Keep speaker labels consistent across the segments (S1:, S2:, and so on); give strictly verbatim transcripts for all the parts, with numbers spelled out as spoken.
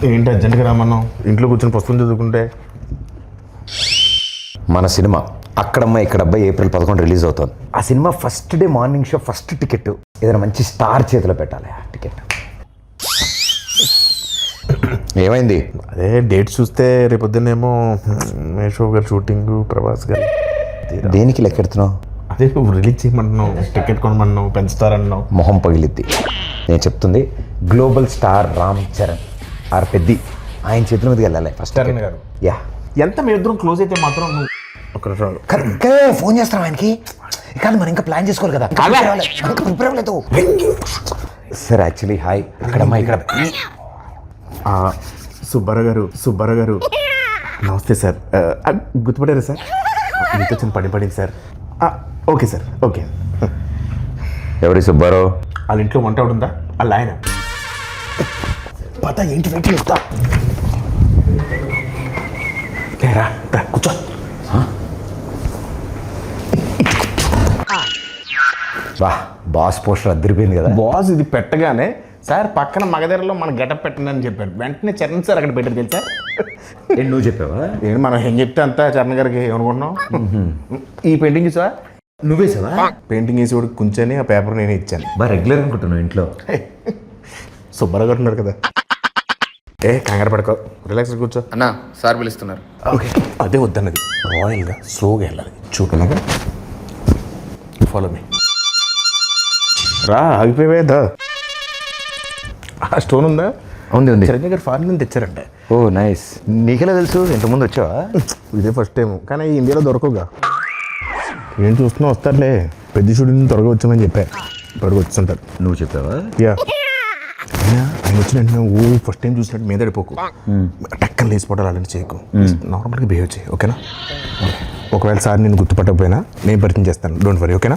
S1: ఏంటి అర్జెంట్గా రామన్నాం? ఇంట్లో కూర్చొని పుస్తకం చదువుకుంటే.
S2: మన సినిమా అక్కడమ్మ ఇక్కడ అబ్బాయి ఏప్రిల్ పదకొండు రిలీజ్ అవుతుంది. ఆ సినిమా first day morning show first ticket ఏదైనా మంచి స్టార్ చేతిలో పెట్టాలి. ఆ టికెట్ ఏమైంది?
S1: అదే డేట్ చూస్తే రేపొద్దునేమో మేషో గారు షూటింగ్, ప్రభాస్ గారు.
S2: దేనికి లెక్కెడుతున్నావు?
S1: అదే నువ్వు రిలీజ్ చేయమంటున్నావు, టికెట్ కొనమన్నావు, పెంచుతారన్నావు.
S2: మొహం పగిలిద్ది. నేను చెప్తుంది global star Ram Charan R Peddi ఆయన చేతుల మీదకి వెళ్ళాలి ఫస్ట్.
S1: చరణ్ గారు
S2: యా
S1: ఎంత మీ ఇద్దరం క్లోజ్ అయితే మాత్రం నువ్వు ఒక నిమిషం
S2: ఇంకా ఫోన్ చేస్తాం ఆయనకి. కాదు మనం ఇంకా ప్లాన్ చేసుకోవాలి కదా. ప్రిపేర్ అవ్వలేదు సార్. యాక్చువల్లీ హాయ్ అక్కడమ్మా ఇక్కడ
S1: సుబ్బారావు గారు సుబ్బారావు గారు నమస్తే సార్. గుర్తుపడారా సార్? మీతో చిన్న పని పడింది సార్. Okay sir okay.
S2: ఎవరి సుబ్బారావు?
S1: వాళ్ళ ఇంట్లో వంట ఉందా? వాళ్ళ ఆయన పత ఏంటి వెయిట్ చేస్తా రా కూర్చో.
S2: వా బాస్ పోస్టర్ అద్దరిపోయింది కదా.
S1: బాస్ ఇది పెట్టగానే సార్ పక్కన మగధరలో మన గెటప్ పెట్టండి అని చెప్పాడు. వెంటనే చరణ్ సార్ అక్కడ పెట్టారు తెలుసా?
S2: ఏంటి నువ్వు చెప్పావా?
S1: ఏంటి మనం ఏం చెప్తే అంతా చరణ్ గారికి ఏమనుకుంటున్నాం. ఈ పెయింటింగ్ చూసా?
S2: నువ్వే సార్
S1: పెయింటింగ్ వేసి కూడా కూర్చొని ఆ పేపర్ నేనే ఇచ్చాను.
S2: బాగా రెగ్యులర్ అనుకుంటున్నావు ఇంట్లో.
S1: సుబ్బారావు గారు ఉన్నారు కదా. ఏ కంగారు పడుకో, రిలాక్స్ కూర్చో.
S3: అన్నా సార్ పిలుస్తున్నారు.
S1: ఓకే అదే వద్దన్నది. రాయల్గా స్లోగా వెళ్ళాలి. చూడలాగా ఫాలో మీ. రా ఆగిపోయేదా? ఆ స్టోన్ ఉందా?
S2: ఉంది ఉంది.
S1: చిరంజీవి గారు ఫారెన్ నుంచి తెచ్చారంట.
S2: ఓ నైస్. నీకెలా తెలుసు? ఇంతకుముందు వచ్చావా?
S1: ఇదే ఫస్ట్ టైం, కానీ ఇండియాలో దొరకవుగా. ఏం చూస్తున్నా వస్తారులే. పెద్ద షూటింగ్ త్వరగా వచ్చామని చెప్పా. త్వరగా వచ్చుంటారు.
S2: నువ్వు చెప్పావా?
S1: యా ఆయన వచ్చిన వెంటనే ఓ ఫస్ట్ టైం చూసినట్టు మీద పడిపోకు. టక్కన లేచిపోవడాలు అలాంటి చేయకు. నార్మల్గా బిహేవ్ చేయి ఓకేనా? ఒకవేళ సార్ నేను గుర్తుపట్టకపోయినా నేను పరిచయం చేస్తాను. డోంట్ వరీ ఓకేనా?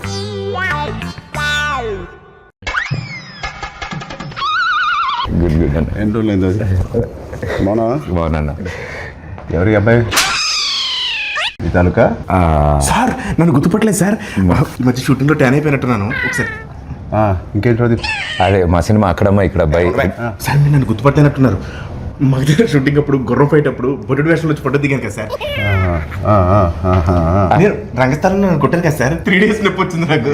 S2: గుడ్ గుడ్ అన్న.
S4: ఎన్ని రోజులు మౌనా
S2: బాగున్నా.
S4: ఎవరి అబ్బాయి? ఈ తాలూకా
S1: సార్ నన్ను గుర్తుపట్టలేదు సార్. ఈ మధ్య షూటింగ్లో ట్యాన్ అయిపోయినట్టున్నాను. ఒకసారి
S4: ఇంకేంటి రోజు?
S2: అదే మా సినిమా అక్కడమ్మా ఇక్కడ అబ్బాయి.
S1: సార్ మీరు నన్ను గుర్తుపట్టలేనట్టున్నారు. మా దగ్గర షూటింగ్ అప్పుడు గుర్రం ఫైట్ అప్పుడు బొడ్డు వేషంలో వచ్చి ఫోటో దిగాను కదా సార్. నేను రంగస్థలంలో నన్ను కొట్టాను కదా సార్. త్రీ డేస్ నొప్పి వచ్చింది నాకు.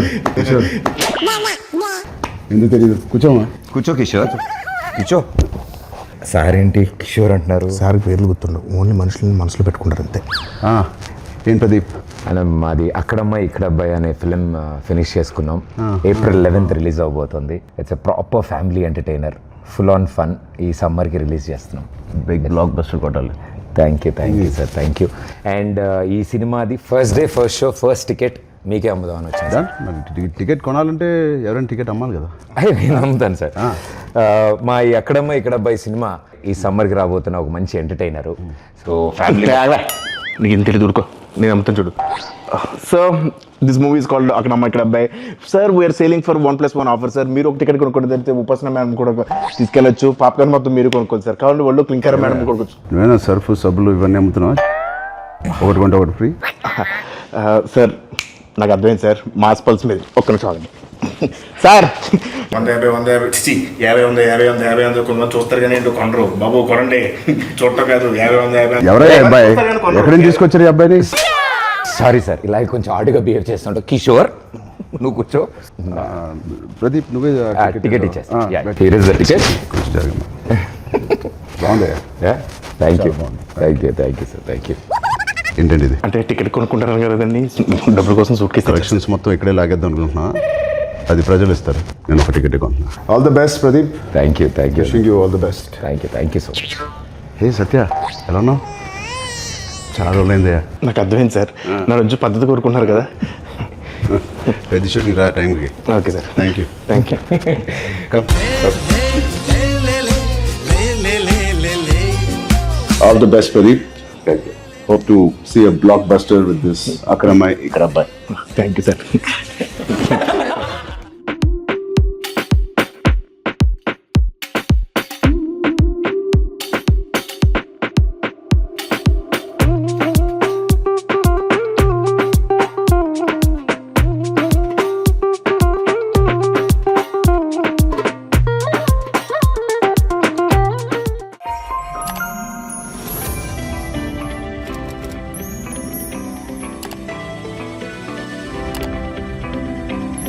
S4: ఎందుకు తెలియదు? కూర్చోమా.
S2: కూర్చో కిషోర్ కూర్చో. సార్ ఏంటి కిషోర్ అంటున్నారు?
S1: సార్ పేర్లు గుర్తుండవు, ఓన్లీ మనుషులని మనసులో పెట్టుకుంటారు అంతే.
S4: ఏం ప్రదీప్?
S2: అలా మాది అక్కడమ్మ ఇక్కడ అబ్బాయి అనే ఫిలిం ఫినిష్ చేసుకున్నాం. ఏప్రిల్ లెవెన్త్ రిలీజ్ అవబోతుంది. It's a proper family entertainer, full on fun. ఈ సమ్మర్కి రిలీజ్ చేస్తున్నాం.
S4: బిగ్ బ్లాక్ బస్టర్ కొట్టాలి.
S2: Thank you thank you sir thank you. And ఈ సినిమాది first day first show first ticket మీకే అమ్ముదామని వచ్చింది.
S4: మరి టికెట్ కొనాలంటే ఎవరైనా టికెట్ అమ్మాలి కదా.
S2: అదే నేను అమ్ముతాను సార్. మా ఈ అక్కడమ్మ ఇక్కడ అబ్బాయి సినిమా ఈ సమ్మర్కి రాబోతున్న ఒక మంచి ఎంటర్టైనరు. సో ఫ్యామిలీ
S1: నీకు ఇంత తెలియదు ఊరుకో, నేను అమ్ముతాను చూడు. So this movie is called Akkadamma Ikkada Abbayi. Sir we are selling for one plus one offer sir. మీరు ఒక టికెట్ కొనుక్కోండి, తెలిస్తే ఉపాసన మేడం కూడా తీసుకెళ్ళచ్చు. పాప్కార్న్ మొత్తం మీరు కొనుక్కోండి సార్. కావాలంటే వాళ్ళు క్లింకర్ మేడం కొనుక్కోవచ్చు.
S4: నువ్వేనా సర్ఫ్ సబ్బులు ఇవన్నీ అమ్ముతున్నావా? ఒకటి కొంటే ఒకటి ఫ్రీ.
S1: సార్ నాకు అర్థమైంది సార్, మాస్ పల్స్ మీద ఒక్క నిమిషం ఆగండి సార్. వంద యాభై వంద యాభై యాభై వంద యాభై వంద యాభై వంద కొంతమంది చూస్తారు కానీ ఏంటో కొనరు బాబు. కొనండి, చూడటం కాదు. యాభై వంద యాభై
S4: ఎవరై అబ్బాయి? ఎక్కడి నుంచి తీసుకొచ్చారు ఈ అబ్బాయిని?
S2: సారీ సార్, ఇలా కొంచెం ఆడుగా బిహేవ్ చేస్తుంటా. కిషోర్ నువ్వు కూర్చో.
S4: ప్రదీప్ నువ్వే
S2: టికెట్ ఇచ్చేస్తా. టికెట్
S4: బాగుంది.
S2: Thank you thank you thank you sir thank you.
S4: ఏంటండి ఇది?
S1: అంటే టికెట్ కొనుక్కుంటారు కదండి, డబ్బుల కోసం సూట్ కేసు
S4: కలెక్షన్స్ మొత్తం ఇక్కడే లాగేద్దాం అనుకుంటున్నా. అది ప్రజలు ఇస్తారు, నేను ఒక టికెట్ కొంటున్నా. All the best Pradeep.
S2: Thank you thank you
S4: wishing you all the best.
S2: Thank you thank you so much.
S4: Hey Satya, ఎలా ఉన్నావు? చాలా రోజులైందయ్యా.
S1: నాకు అర్థమైంది సార్, నా రోజు పద్ధతి కోరుకుంటున్నారు కదా.
S4: పెద్ద షూటింగ్ రా టైంకి.
S1: Okay sir.
S4: Thank you
S1: thank you.
S4: All the best Pradeep. Thank you. Hope to see a blockbuster with this Akramai Ikrabbai.
S1: Thank you, sir.